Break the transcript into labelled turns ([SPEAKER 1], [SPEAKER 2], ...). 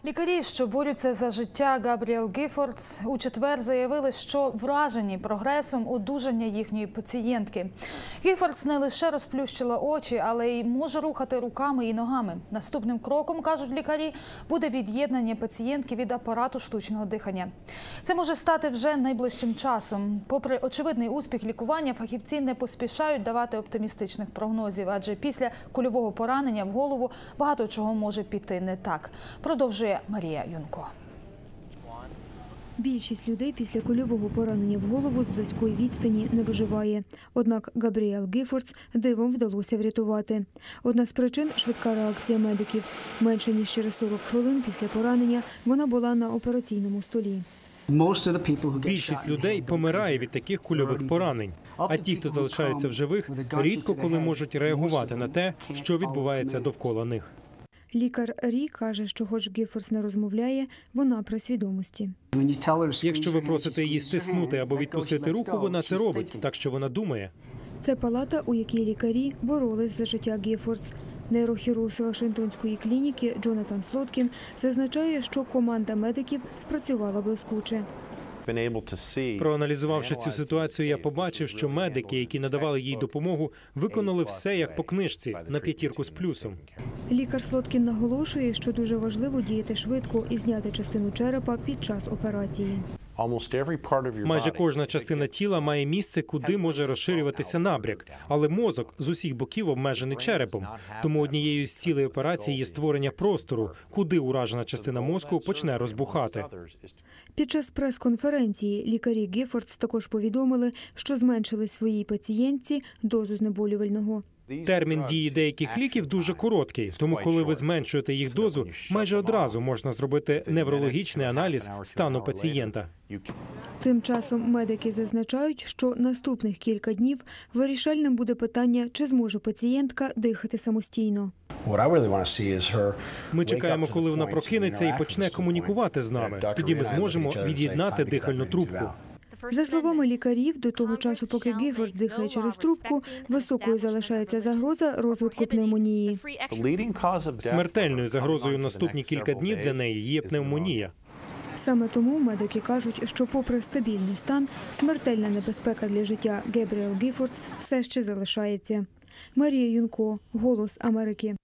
[SPEAKER 1] Лікарі, що борються за життя Габріел Гіфордс, у четвер заявили, що вражені прогресом одужання їхньої пацієнтки. Гіфордс не лише розплющила очі, але й може рухати руками і ногами. Наступним кроком, кажуть лікарі, буде від'єднання пацієнтки від апарату штучного дихання. Це може стати вже найближчим часом. Попри очевидний успіх лікування, фахівці не поспішають давати оптимістичних прогнозів, адже після кульового поранення в голову багато чого може піти не так. Продовжує Марія Юнко.
[SPEAKER 2] Більшість людей після кульового поранення в голову з близької відстані не виживає. Однак Габріел Гіфордс дивом вдалося врятувати. Одна з причин – швидка реакція медиків. Менше ніж через 40 хвилин після поранення вона була на операційному столі.
[SPEAKER 3] Більшість людей помирає від таких кульових поранень. А ті, хто залишаються в живих, рідко коли можуть реагувати на те, що відбувається довкола них.
[SPEAKER 2] Лікар Рі каже, що хоч Гіфордс не розмовляє, вона при свідомості.
[SPEAKER 3] Якщо ви просите її стиснути або відпустити руку, вона це робить, так що вона думає.
[SPEAKER 2] Це палата, у якій лікарі боролись за життя Гіфордс. Нейрохірург з Вашингтонської клініки Джонатан Слоткін зазначає, що команда медиків спрацювала блискуче.
[SPEAKER 3] Проаналізувавши цю ситуацію, я побачив, що медики, які надавали їй допомогу, виконали все як по книжці, на 5 з плюсом.
[SPEAKER 2] Лікар Слоткін наголошує, що дуже важливо діяти швидко і зняти частину черепа під час операції.
[SPEAKER 3] Майже кожна частина тіла має місце, куди може розширюватися набряк, але мозок з усіх боків обмежений черепом. Тому однією з цілей операції є створення простору, куди уражена частина мозку почне розбухати.
[SPEAKER 2] Під час прес-конференції лікарі Гіфордс також повідомили, що зменшили своїй пацієнтці дозу знеболювального.
[SPEAKER 3] Термін дії деяких ліків дуже короткий, тому коли ви зменшуєте їх дозу, майже одразу можна зробити неврологічний аналіз стану пацієнта.
[SPEAKER 2] Тим часом медики зазначають, що наступних кілька днів вирішальним буде питання, чи зможе пацієнтка дихати самостійно.
[SPEAKER 3] Ми чекаємо, коли вона прокинеться і почне комунікувати з нами. Тоді ми зможемо від'єднати дихальну трубку.
[SPEAKER 2] За словами лікарів, до того часу, поки Гіфордс дихає через трубку, високою залишається загроза розвитку пневмонії.
[SPEAKER 3] Смертельною загрозою наступні кілька днів для неї є пневмонія.
[SPEAKER 2] Саме тому медики кажуть, що попри стабільний стан, смертельна небезпека для життя Габріел Гіфордс все ще залишається. Марія Юнко, «Голос Америки».